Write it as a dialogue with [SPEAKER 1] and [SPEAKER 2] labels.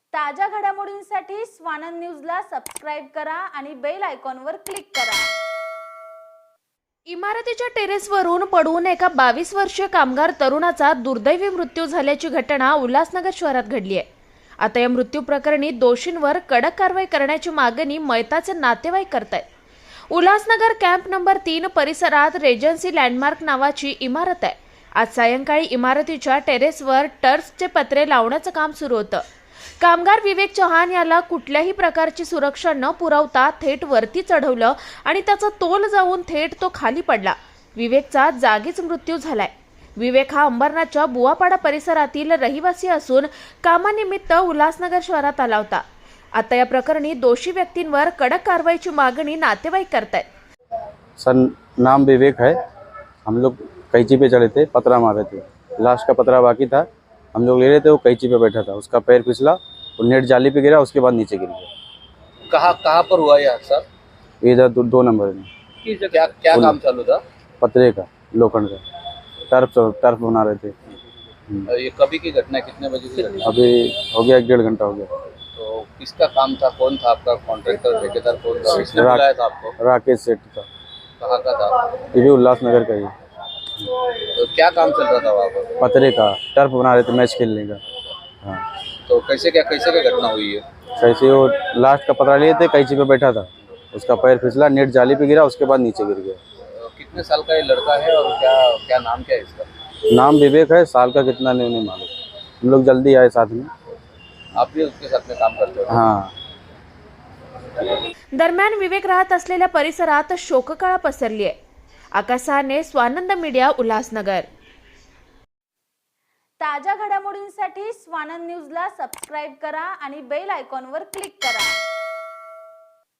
[SPEAKER 1] ताज्या घडामोडींसाठी स्वानंद न्यूजला सबस्क्राइब करा आणि बेल आयकॉनवर क्लिक करा।
[SPEAKER 2] इमारतीच्या टेरेसवरून पडून एका 22 वर्षीय कामगार तरुणाचा दुर्दैवी मृत्यू झाल्याची घटना उल्हासनगर शहरात घडली आहे। आता या मृत्यू प्रकरणी दोषींवर कडक कारवाई करण्याची मागणी मयताचे नातेवाईक करतायत। उल्हासनगर कॅम्प नंबर 3 परिसरात रेजन्सी लँडमार्क नावाची इमारत आहे। आज सायंकाळी इमारतीच्या टेरेसवर टर्फचे पत्रे लावण्याचं काम सुरू होतं। कामगार विवेक चव्हाण याला कुठल्याही प्रकारची सुरक्षा न पुरवता थेट वरती चढवलं आणि त्याचा तोल जाऊन थेट तो खाली पडला। विवेकचा जागीच मृत्यू झालाय। विवेक हा अंबरनाथच्या बुवापाडा परिसरातील रहिवासी असून कामानिमित्त उल्हासनगर शहरात आला होता। आता या प्रकरणी दोषी व्यक्तींवर कडक कारवाईची मागणी नातेवाईक करतायत।
[SPEAKER 3] सर नाम विवेक है। हम लोग कैंची पे चढ़े थे, पतरा मार रहे थे। लास्ट का पतरा बाकी था, हम लोग ले रहे थे। वो कैंची पे बैठा था, उसका पैर फिसला और नेट जाली पे गिरा, उसके बाद नीचे गिर गया।
[SPEAKER 4] कहाँ पर हुआ ये हादसा?
[SPEAKER 3] इधर 2 नंबर में।
[SPEAKER 4] क्या क्या काम चालू था?
[SPEAKER 3] पतरे का, लोखंड का टर्फ बना रहे थे।
[SPEAKER 4] ये कभी की घटना, कितने बजे की घटना?
[SPEAKER 3] अभी हो गया 1.5 घंटा हो गया।
[SPEAKER 4] तो किसका काम था? कौन था आपका कॉन्ट्रैक्टर, ठेकेदार कौन था? किसने बुलाया था आपको?
[SPEAKER 3] राकेश सेठ था।
[SPEAKER 4] कहाँ का था?
[SPEAKER 3] ये भी उल्लासनगर का ही है।
[SPEAKER 4] तो क्या काम चल रहा था वहाँ पर?
[SPEAKER 3] पतरे का टर्फ बना रहे थे मैच खेलने का। हाँ,
[SPEAKER 4] तो कैसे क्या घटना हुई है?
[SPEAKER 3] कैसे वो लास्ट का पतरा लिए थे, कैंची पे बैठा था, उसका पैर फिसला, नेट जाली पे गिरा, उसके बाद नीचे गिर गया।
[SPEAKER 4] कितने साल का ये लड़का है और क्या क्या नाम क्या है इसका?
[SPEAKER 3] नाम विवेक है, साल का कितना नहीं मालूम। हम लोग जल्दी आए साथ में।
[SPEAKER 4] आप भी उसके साथ में काम करते हो?
[SPEAKER 3] हाँ।
[SPEAKER 2] दरम्यान विवेक राहत असलेल्या परिसरात शोककळा पसरली आहे। आकाश साहने, स्वानंद मीडिया, उल्हासनगर।
[SPEAKER 1] ताज्या घडामोडींसाठी स्वानंद न्यूजला सबस्क्राइब करा आणि बेल आयकॉनवर क्लिक करा।